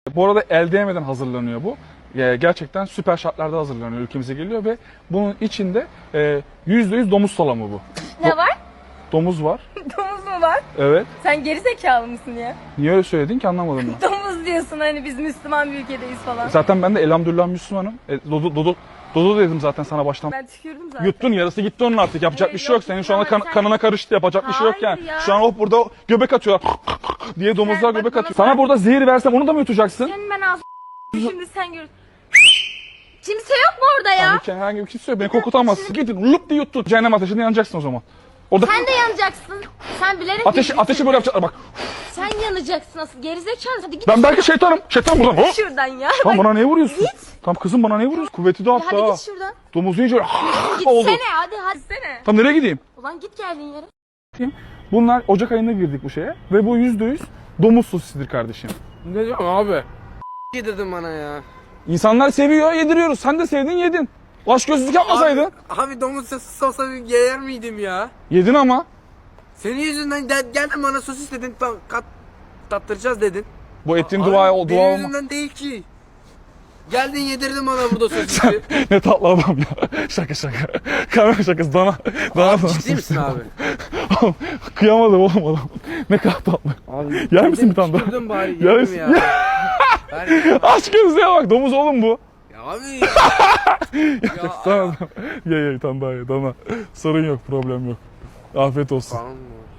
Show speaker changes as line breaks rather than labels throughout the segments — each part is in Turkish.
Bu arada el değmeden hazırlanıyor bu. Gerçekten süper şartlarda hazırlanıyor, ülkemize geliyor ve bunun içinde %100 domuz salamı bu.
Ne var?
Domuz var.
Domuz mu var?
Evet.
Sen geri zekalı mısın ya?
Niye öyle söyledin ki, anlamadım ben.
Domuz diyorsun hani biz Müslüman bir ülkedeyiz falan.
Zaten ben de elhamdülillah Müslümanım. Dodo dedim zaten sana baştan.
Ben tükürdüm zaten.
Yuttun, yarısı gitti onun artık. Yapacak
Hayır,
bir şey yok.
yok,
Senin şu anda
ama sen-
kanına karıştı. Yapacak bir şey yok yani.
Hayır ya.
Şu an hop burada göbek atıyorlar diye domuzlar
Sen bak
göbek
bana
atıyor. Sana burada zehir versem onu da mı yutacaksın?
Senin ben ağzım şimdi sen gör. Kimse yok mu orada ya?
Yani herhangi bir kimse yok. Beni korkutamazsın. Gidin lup diye yuttun. Cehennem ateşinde yanacaksın o zaman. Orada
Sen de yanacaksın. Sen bilerek
ateşi böyle yapacaklar bak.
Sen yanacaksın asıl gerizekalı. Hadi git.
Ben belki şeytanım. Şeytan buradan. Hop.
Şuradan ya.
Tam
Bak,
bana niye vuruyorsun?
Git.
Tam kızım bana niye vuruyorsun? Kuvveti de
Hadi
hatta.
git şuradan.
Domuzu yiyince böyle oldu.
Gitsene hadi gitsene.
Tam nereye gideyim?
Ulan git geldiğin yere.
Bunlar Ocak ayında girdik bu şeye ve bu %100 domuz sosisidir kardeşim.
Ne diyorsun abi? Yedirdin bana ya.
İnsanlar seviyor, yediriyoruz. Sen de sevdin, yedin. Aşk gözlük yapmasaydın.
Abi domuz sosu olsa yer miydim ya?
Yedin ama.
Senin yüzünden geldin bana sosis dedin, tattıracağız dedin.
Bu ettiğin
Abi,
dua
benim
olma.
yüzümden değil ki. Geldin yedirdin bana burada sosisi.
Ne tatlı adam ya. Şaka. Kamera şakası dana.
Abi ciddi misin abi?
Oğlum, kıyamadım oğlum adam. Ne kadar tatlı.
Abi
Yer misin bir tane daha?
tükürdün bari
Yer
yedim
misin?
ya. Ver ya.
Aşk gözlüğe bak, domuz oğlum bu.
Ya abi ya. Ya,
Tamam. Ye tane daha ye dana. Sorun yok, problem yok. Afiyet olsun.
Tamam mı?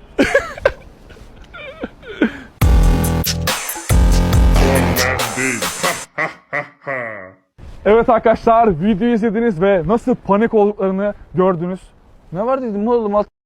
Evet arkadaşlar, videoyu izlediniz ve nasıl panik olduklarını gördünüz. Ne var dedim oğlum,